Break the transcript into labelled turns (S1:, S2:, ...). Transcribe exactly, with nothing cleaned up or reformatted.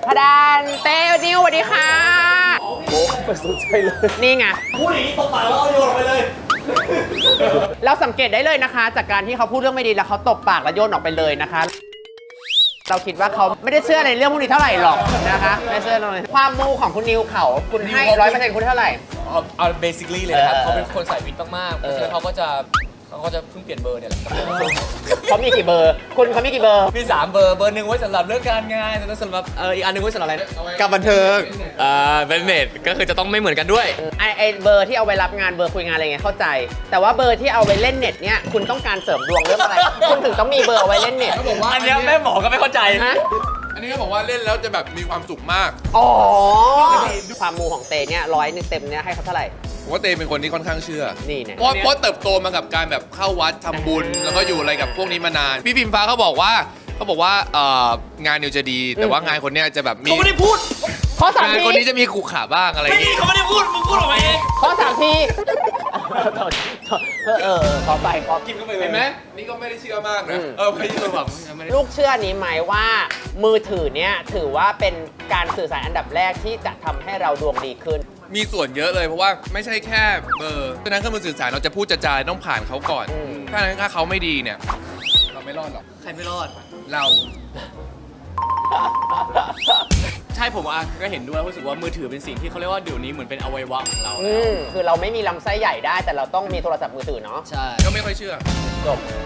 S1: พดานเต้นิวสวัสดีค่ะ
S2: โอ้ไม่สนใจเลย
S1: นี่ไง
S3: พูดอย่างนี้ตบปากแล้วเอาโยนออกไปเลย
S1: เราสังเกตได้เลยนะคะ จากการที่เขาพูดเรื่องไม่ดีแล้วเขาตบปากแล้วโยนออกไปเลยนะคะเราคิดว่าเขาไม่ได้เชื่อในเรื่องพวกนี้เท่าไหร่หรอกนะคะไม่เชื่อเลยความมูของคุณนิวเขาคุณให้ร้อยเปอร์เซ็นต์คุณเท่าไหร่
S4: เอาเอาเบสิคลี่เลยนะครับเขาเป็นคนสายวิทย์มากๆเพราะฉะนั้นเขาก็จะเขาก็จะเพิ่งเปลี่ยนเบอร์เนี่ยแหละ
S1: เขามีกี่เบอร์คุณเขามีกี่เบอร์
S4: มีสามเบอร์เบอร์หนึ่งไว้สำหรับเรื่องการงานสำหรับเอออีกอันหนึ่งไว้สำหรับอะไร
S2: กับบันเทิง
S4: อ่าเป็นเน็ตก็คือจะต้องไม่เหมือนกันด้วย
S1: ไอไอเบอร์ที่เอาไว้รับงานเบอร์คุยงานอะไรเงี้ยเข้าใจแต่ว่าเบอร์ที่เอาไว้เล่นเน็ตเนี่ยคุณต้องการเสริมดวงเรื่องอะไรคุณถึงต้องมีเบอร์เอาไว้เล่นเน็ต
S4: เขาบอกว่าอันนี้แม่หมอก็ไม่เข้าใจ
S1: ฮะ
S2: อันนี้เขาบอกว่าเล่นแล้วจะแบบมีความสุขมาก
S1: อ๋อความมูของเตเนี่ยร้อยหนึ่งเต็มเนี่ยให้เขาเท่าไหร่
S2: ผมว่าเตเป็นคนที่ค่อนข้างเชื่อ
S1: นี่เนี่ย
S2: เพราะเพราะเติบโตมากับการแบบเข้าวัดทำบุญแล้วก็อยู่อะไรกับพวกนี้มานานพี่พิมฟ้าเขาบอกว่าเขาบอกว่าเอ่องานนิวจะดีแต่ว่างานคนเนี้ยจะแบบมี
S4: เขาไม่ได้พูด
S1: ข้อสามที
S2: งานคนนี้จะมีขู่ขาบ้างอะไรอย่าง
S4: งี้
S2: งี้
S4: เขาไม่ได้พูดมึงพูดออกมาเอง
S1: ข้อสามทีเออเออขอไปขอ
S4: กินเข้าไปเลย
S2: เห็นไหมนี่ก็ไม่ได้เชื่อมากนะเออไม่ได้แบบ
S1: ลูกเชื่อนี้ไหมว่ามือถือเนี่ยถือว่าเป็นการสื่อสารอันดับแรกที่จะทำให้เราดวงดีขึ้น
S2: มีส่วนเยอะเลยเพราะว่าไม่ใช่แค่เบอร์ฉะนั้นเครื่องมือสื่อสารเราจะพูดจะจาต้องผ่านเขาก่อนถ้านั้นถ้าเขาไม่ดีเนี่ยเราไม่รอดหรอก
S4: ใครไม่รอด
S2: เรา
S4: ใช่ผมอ่ะก็เห็นด้วยรู้สึกว่ามือถือเป็นสิ่งที่เขาเรียกว่าเดี๋ยวนี้เหมือนเป็นอวัยวะของเรา
S1: อืมคือเราไม่มีลำไส้ใหญ่ได้แต่เราต้องมีโทรศัพท์มือถือเนาะ
S4: ใช่
S2: ก็ไม่ค่อยเชื่อ
S1: จบ